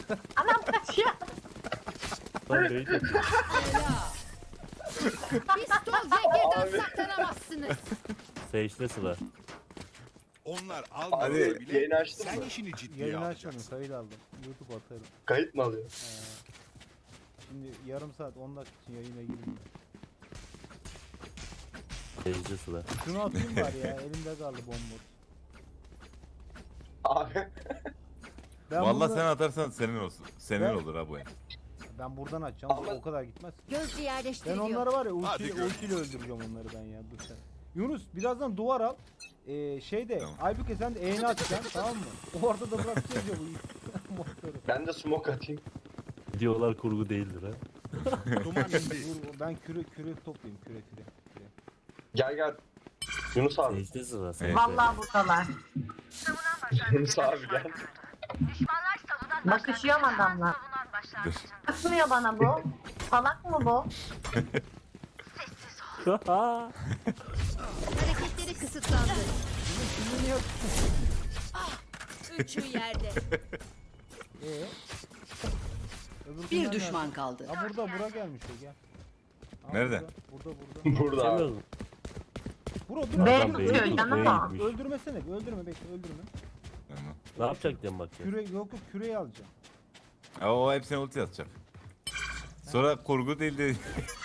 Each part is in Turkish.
Anam kaçıyor. Lan beyler. Pistol ve birden saklanamazsınız. Sage'de sıra. Onlar Abi almasa bile yayını açtın sen mı? işini ciddiye Yayını açmadım, alacaksın. kayıt aldım. YouTube atarım. Kayıt mı alıyor? Şimdi yarım saat 10 dakika için yayına gireyim. Sage'de sıra. Şunu atayım bari ya, elimde kaldı bomboş. Abi Ben Vallahi bunu- sen atarsan senin olsun. Senin Ben- olur ha bu el. Ben buradan açacağım, Ama- o kadar gitmez. Gözcü Ben yerleştiriliyor. onları var ya Hadi ultiyle görüşürüz. öldüreceğim onları ben ya, dur sen. Yunus birazdan duvar al. Şeyde Tamam. Aybüke sen de eğni açacaksın tamam mı? Orada da bırakacağız ya bu motoru. ben de smoke atayım. Videolar kurgu değildir ha. Duman indi. Dur ben küre toplayayım küre. Gel gel. Yunus abi. Sage'de sıra. Sage'de. Vallahi buradalar. Yunus abi gel. Bakışıyor mu adamlar? Dur. Bakmıyor bana bu. Salak mı bu? Hareketleri kısıtlandı. Şimdi niye Üçü yerde. Öbür Bir günler düşman nerede? kaldı. Ha burada bura gelmiş o gel. Ha, Nerede? Burada. Burada abi. Sevmiyorum. Bura dur. B Adam tutuyor beyni canım tutmaya o. gitmiş. Öldürmesene, öldürme bekle öldürme. Tamam. Ne yapacak diye bakacağız. Yok küreyi alacağım. O hepsine ulti atacak. Sonra kurgu değil de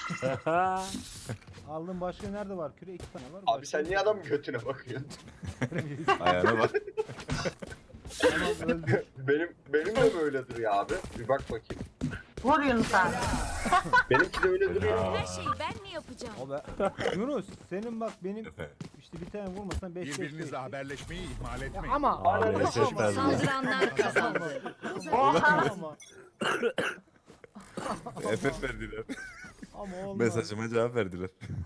Aldım, başka nerede var küre? 2 tane var. Abi sen niye adamın götüne bakıyorsun? ayağına bak. Tamam öldü. Benim de böyle duruyor abi. Bir bak bakayım. Vur Yunus abi. Benimki de öyle duruyor. Her şeyi ben mi yapacağım? O be. Yunus senin bak benim Efendim. işte bir tane vurmasan 5 Birbirinizle haberleşmeyi ihmal etmeyin. Ama Abi SS verdi. Saldıranlar kazandı. ama FF verdiler. ama olmaz. Mesajıma cevap verdiler.